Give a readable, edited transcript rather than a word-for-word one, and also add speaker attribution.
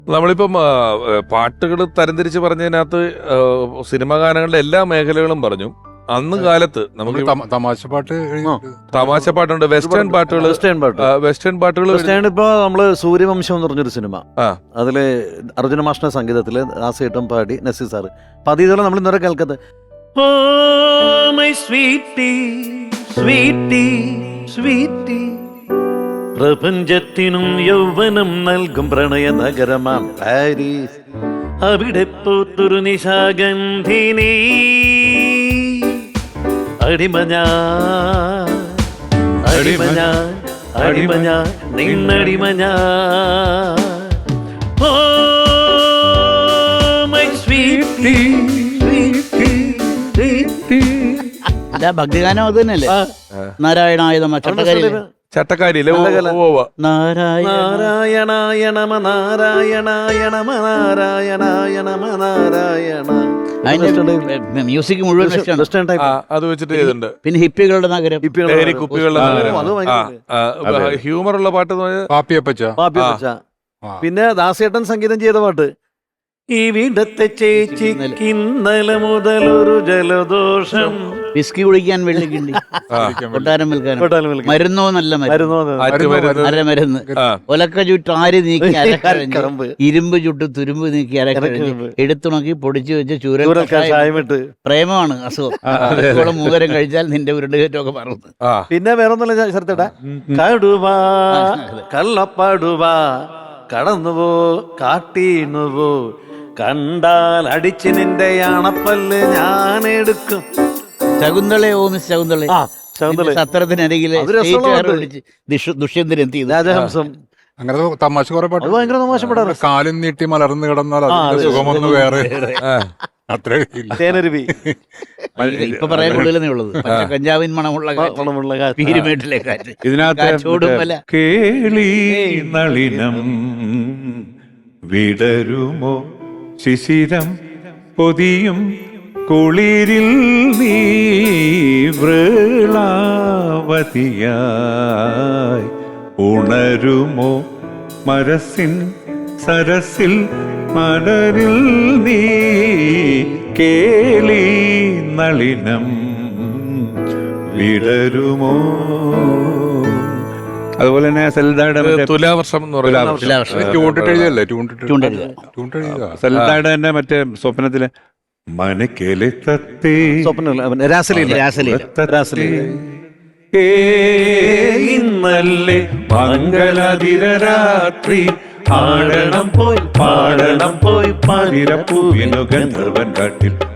Speaker 1: നമ്മളിപ്പം പാട്ടുകൾ തരംതിരിച്ച് പറഞ്ഞതിനകത്ത് സിനിമാ ഗാനങ്ങളുടെ എല്ലാ മേഖലകളും പറഞ്ഞു. അന്ന് കാലത്ത് നമുക്ക് തമാശ പാട്ടുണ്ട്, വെസ്റ്റേൺ പാട്ടുകൾ.
Speaker 2: ഇപ്പൊ നമ്മള് സൂര്യവംശം എന്ന് പറഞ്ഞൊരു സിനിമ, അതില് അർജുന മാഷിന്റെ സംഗീതത്തില് ദാസേട്ടൻ പാടി, നസീർ സാറ്. അപ്പൊ അത് ഇതുപോലെ നമ്മൾ ഇന്നലെ കേൾക്കത്ത് പ്രപഞ്ചത്തിനും യൗവനം നൽകും പ്രണയ നഗരമാം പാരീസ്, അവിടെ പൂത്തൊരു നിശാഗന്ധിനി അടിമഞ്ഞാ അടിമഞ്ഞാ അടിമഞ്ഞാ നിന്നടിമഞ്ഞാ. ഓ മൈ സ്വീറ്റി
Speaker 3: ഭക്തിഗാനം അത് തന്നെയല്ലേ? നാരായണായ നമഃ
Speaker 1: ചട്ടക്കാരിയിലെ
Speaker 2: നാരായണായ നമ നാരായണായ നമ നാരായണായ നമ നാരായണ.
Speaker 3: മ്യൂസിക് മുഴുവൻ
Speaker 1: അത് വെച്ചിട്ട് ചെയ്തിട്ടുണ്ട്.
Speaker 3: പിന്നെ ഹിപ്പികളുടെ നഗരം,
Speaker 1: കുപ്പികളുടെ നഗരം, ഹ്യൂമർ ഉള്ള പാട്ട്.
Speaker 2: പിന്നെ ദാസേട്ടൻ സംഗീതം ചെയ്ത പാട്ട്, ഈ വീടത്തെ ചേച്ചിക്ക് ഇന്നലെ മുതലൊരു ജലദോഷം,
Speaker 3: വിസ്കി കുടിക്കാൻ വെള്ളിക്കിണ്ടി, കൊട്ടാരം വിൽക്കാനും മരുന്നോ നല്ല അരമരുന്ന്, ഒലക്ക ചുട്ട് ആര് നീക്കി അരക്കരഞ്ഞ്, ഇരുമ്പ് ചുട്ട് തുരുമ്പ് നീക്കി അരക്കരഞ്ഞ്, എടുത്തുണക്കി പൊടിച്ചു വെച്ച് ചൂരൽ പ്രേമമാണ് അസുഖം, മൂകരം കഴിച്ചാൽ നിന്റെ ഉരുണ്ടുകയറ്റമൊക്കെ പറഞ്ഞു.
Speaker 2: പിന്നെ വേറൊന്നുമില്ല ശരത്തേട്ടാ, കടുവാ കള്ളപ്പാടുവാ കടന്നുപോ കാട്ടീണുപോ, കണ്ടാൽ അടിച്ച് നിന്റെ അണപ്പല്ല് ഞാൻ എടുക്കും.
Speaker 3: ശകുന്തള ഓ മിസ് ശകുന്തള, സത്രത്തിനരികിലെ ദുഷ്യന്തൻ എന്ത് ചെയ്തു,
Speaker 2: രാജഹംസം.
Speaker 4: അങ്ങനെ തമാശ കുറെ പാട്ട്,
Speaker 2: ഭയങ്കര തമാശ പാടാറ്.
Speaker 4: കാലും നീട്ടി മലർന്നു കിടന്നാൽ അതിന്റെ സുഖമൊന്നും വേറെ അത്ര.
Speaker 3: ഇപ്പൊ പറയാൻ കൂടുതലേ ഉള്ളത് കഞ്ചാവിൻ മണമുള്ള പീരുമേട്ടിലെ കാറ്റ്.
Speaker 5: ഇതിനകത്ത് കേളി നളിനം വിടരുമോ ശിശിരം പൊതിയും കുളിരിൽ നീ വൃളാവതിയായി ഉണരുമോ മരസിൻ സരസിൽ മലരിൽ നീ കേളി നളിനം വിടരുമോ. അതുപോലെ തന്നെ സൽദായുടെ
Speaker 1: തുലാവർഷം എന്ന് പറയുന്നത്
Speaker 5: സൽദായുടെ തന്നെ മറ്റേ സ്വപ്നത്തിലെ മനക്കേലെ തത്തേ ഇന്നല്ലേ മംഗളാതിരരാത്രി ആടണം പോയി പാടണം പോയി പാതിരപ്പൂവിനു ഗന്ധർവൻ കാട്ടിൽ